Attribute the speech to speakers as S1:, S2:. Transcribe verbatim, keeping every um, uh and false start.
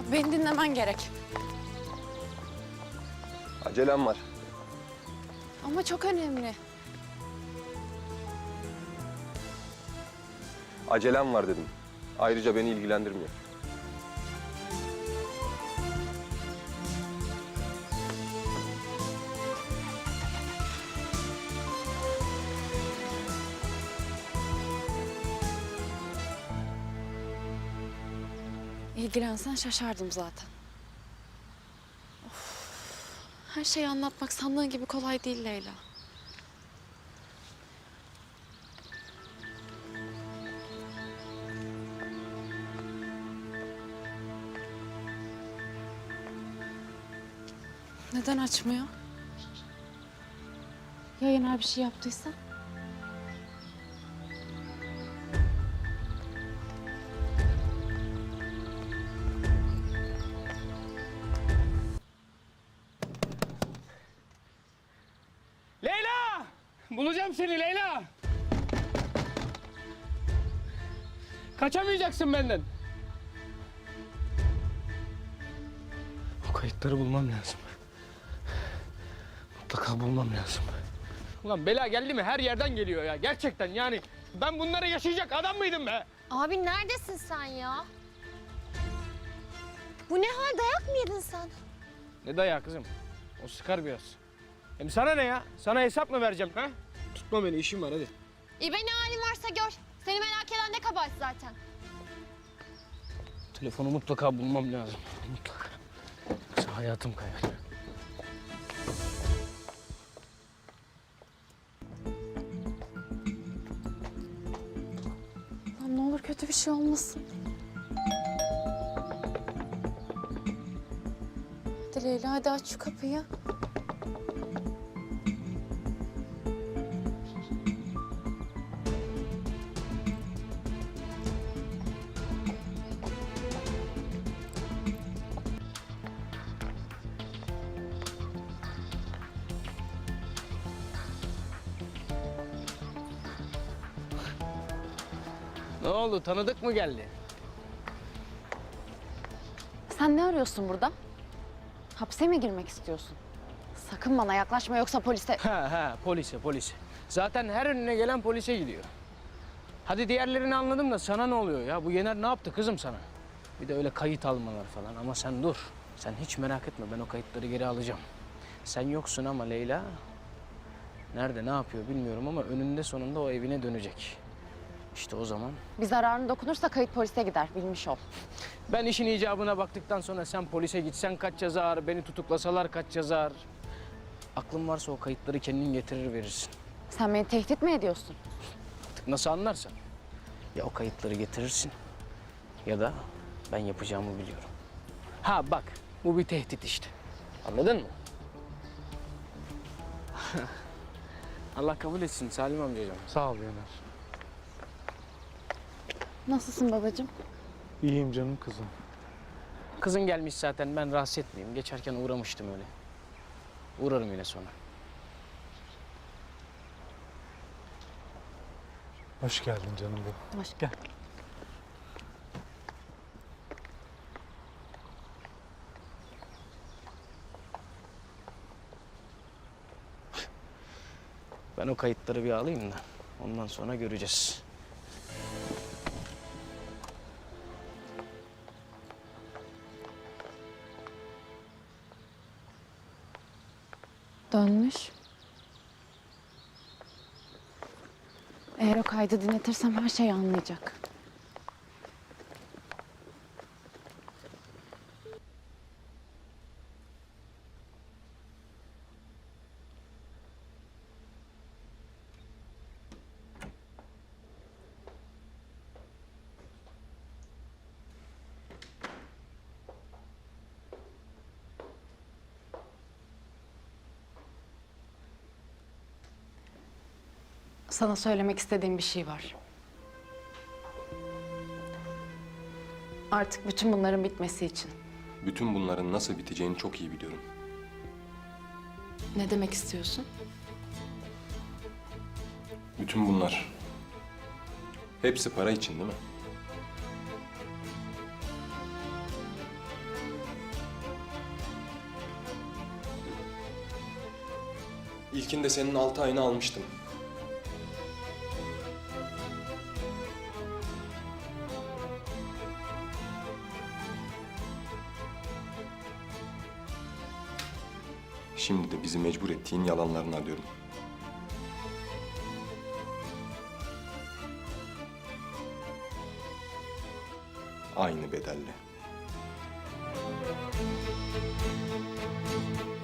S1: Beni dinlemen gerek.
S2: Acelem var.
S1: Ama çok önemli.
S2: Acelem var dedim. Ayrıca beni ilgilendirmiyor.
S1: İlgilensen şaşardım zaten. Of. Her şeyi anlatmak sandığın gibi kolay değil Leyla. Neden açmıyor? Ya Yener bir şey yaptıysa?
S3: Leyla! Bulacağım seni Leyla! Kaçamayacaksın benden. O kayıtları bulmam lazım. Mutlaka bulmam lazım. Ulan bela geldi mi her yerden geliyor ya. Gerçekten yani ben bunları yaşayacak adam mıydım be?
S4: Abi neredesin sen ya? Bu ne hal, dayak mı yedin sen?
S3: Ne dayağı kızım? O sıkar biraz. Hem sana ne ya? Sana hesap mı vereceğim ha? Tutma beni, işim var hadi.
S4: İyi be, ne halin varsa gör. Seni merak eden ne kabahat zaten.
S3: Telefonu mutlaka bulmam lazım. Mutlaka. Yoksa hayatım kayar.
S1: Lan ne olur kötü bir şey olmasın. Hadi Leyla, hadi aç şu kapıyı.
S3: Ne oldu? Tanıdık mı geldi?
S1: Sen ne arıyorsun burada? Hapse mi girmek istiyorsun? Sakın bana yaklaşma yoksa polise...
S3: Ha ha, polise polise. Zaten her önüne gelen polise gidiyor. Hadi diğerlerini anladım da sana ne oluyor ya? Bu Yener ne yaptı kızım sana? Bir de öyle kayıt almalar falan ama sen dur. Sen hiç merak etme, ben o kayıtları geri alacağım. Sen yoksun ama Leyla... Nerede, ne yapıyor bilmiyorum ama önünde sonunda o evine dönecek. İşte o zaman...
S1: Bir zararın dokunursa kayıt polise gider, bilmiş ol.
S3: Ben işin icabına baktıktan sonra sen polise gitsen kaç yazar, beni tutuklasalar kaç yazar. Aklın varsa o kayıtları kendin getirir verirsin.
S1: Sen beni tehdit mi ediyorsun?
S3: Artık nasıl anlarsan. Ya o kayıtları getirirsin ya da ben yapacağımı biliyorum. Ha bak, bu bir tehdit işte. Anladın mı? Allah kabul etsin Salim amcacığım.
S5: Sağ ol Yener.
S1: Nasılsın babacığım?
S5: İyiyim canım kızım.
S3: Kızın gelmiş zaten, ben rahatsız etmeyeyim. Geçerken uğramıştım öyle. Uğrarım yine sonra.
S5: Hoş geldin canım benim.
S1: Hoş
S5: Gel.
S3: Ben o kayıtları bir alayım da ondan sonra göreceğiz.
S1: Dönmüş. Eğer o kaydı dinletirsem her şeyi anlayacak. Sana söylemek istediğim bir şey var. Artık bütün bunların bitmesi için.
S2: Bütün bunların nasıl biteceğini çok iyi biliyorum.
S1: Ne demek istiyorsun?
S2: Bütün bunlar hepsi para için değil mi? İlkinde senin altı ayını almıştım. Şimdi de bizi mecbur ettiğin yalanlarını arıyorum. Aynı bedelle.